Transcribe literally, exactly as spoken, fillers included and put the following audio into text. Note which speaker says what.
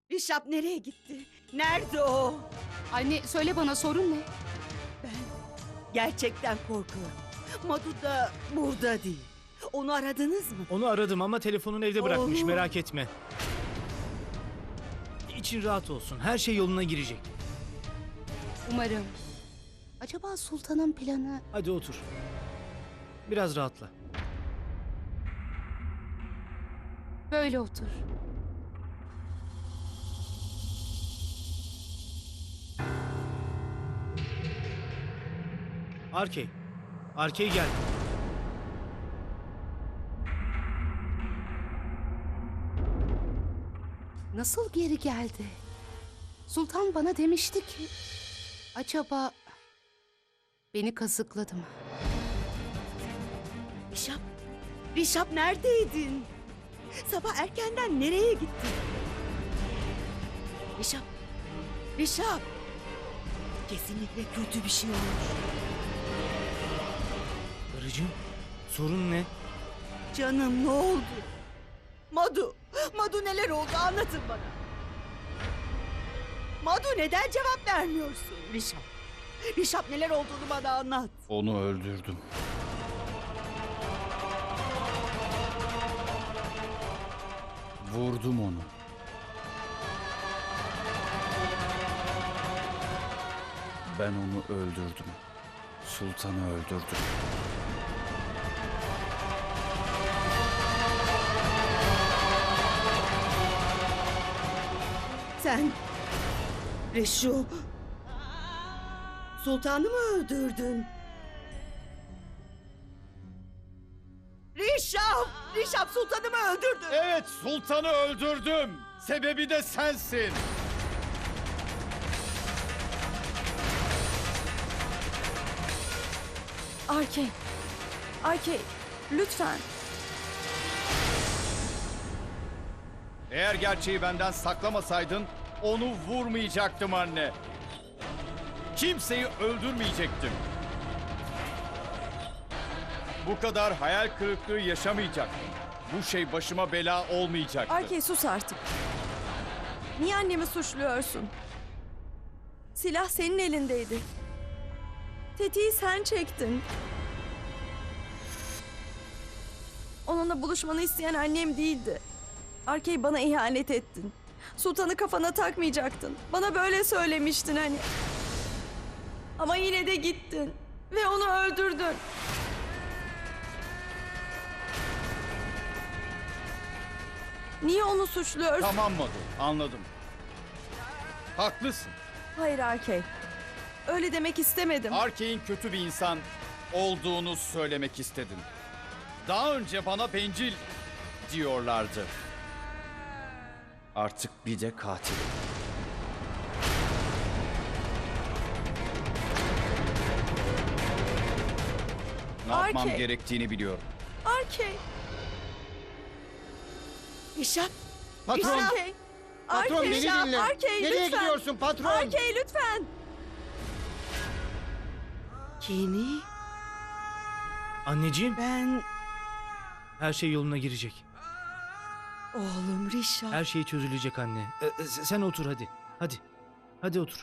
Speaker 1: Rişap nereye gitti? Nerede o?
Speaker 2: Anne söyle bana, sorun ne?
Speaker 1: Ben gerçekten korkuyorum. Madu da burada değil. Onu aradınız mı?
Speaker 3: Onu aradım ama telefonunu evde bırakmış,
Speaker 1: Oğlum.
Speaker 3: merak etme. İçin rahat olsun, her şey yoluna girecek.
Speaker 2: Umarım. Acaba sultanın planı...
Speaker 3: Hadi otur. Biraz rahatla.
Speaker 2: Böyle otur.
Speaker 3: Arkey. Arkey gel.
Speaker 2: Nasıl geri geldi? Sultan bana demişti ki... Acaba... Beni kazıkladı mı?
Speaker 1: Rişap, Rişap neredeydin? Sabah erkenden nereye gittin? Rişap, Rişap. Kesinlikle kötü bir şey olmuş.
Speaker 3: Karıcığım, sorun ne?
Speaker 1: Canım ne oldu? Madu, Madu neler oldu anlatın bana. Madu neden cevap vermiyorsun? Rişap, Rişap neler olduğunu bana anlat.
Speaker 4: Onu öldürdüm. Vurdum onu. Ben onu öldürdüm. Sultanı öldürdüm.
Speaker 1: Sen Reşu Sultanı mı öldürdün? Rişap! Rişap Sultanı mı öldürdün?
Speaker 4: Evet, sultanı öldürdüm. Sebebi de sensin.
Speaker 5: Arkey. Arkey. Lütfen.
Speaker 4: Eğer gerçeği benden saklamasaydın onu vurmayacaktım anne. Kimseyi öldürmeyecektim. Bu kadar hayal kırıklığı yaşamayacaktım. Bu şey başıma bela olmayacaktı.
Speaker 5: Arkey sus artık. Niye annemi suçluyorsun? Silah senin elindeydi. Tetiği sen çektin. Onunla buluşmanı isteyen annem değildi. Arkey, bana ihanet ettin. Sultanı kafana takmayacaktın. Bana böyle söylemiştin hani. Ama yine de gittin. Ve onu öldürdün. Niye onu suçluyorsun?
Speaker 4: Tamam Madu, anladım. Haklısın.
Speaker 5: Hayır Arkey. Öyle demek istemedim.
Speaker 4: Arkey'in kötü bir insan olduğunu söylemek istedim. Daha önce bana bencil diyorlardı. Artık bir de katil. Ne yapmam
Speaker 5: Arkey.
Speaker 4: gerektiğini biliyorum.
Speaker 5: Arkey.
Speaker 1: Rişap!
Speaker 6: Patron,
Speaker 5: Arkey.
Speaker 6: patron
Speaker 5: Arkey,
Speaker 6: beni
Speaker 5: Rişap,
Speaker 6: dinle.
Speaker 5: Arkey,
Speaker 6: Nereye
Speaker 5: lütfen.
Speaker 6: gidiyorsun patron?
Speaker 5: Arkey lütfen.
Speaker 1: Kenny,
Speaker 3: Anneciğim,
Speaker 1: ben...
Speaker 3: her şey yoluna girecek.
Speaker 1: Oğlum Rişap.
Speaker 3: Her şey çözülecek anne. Ee, sen otur hadi. Hadi. Hadi otur.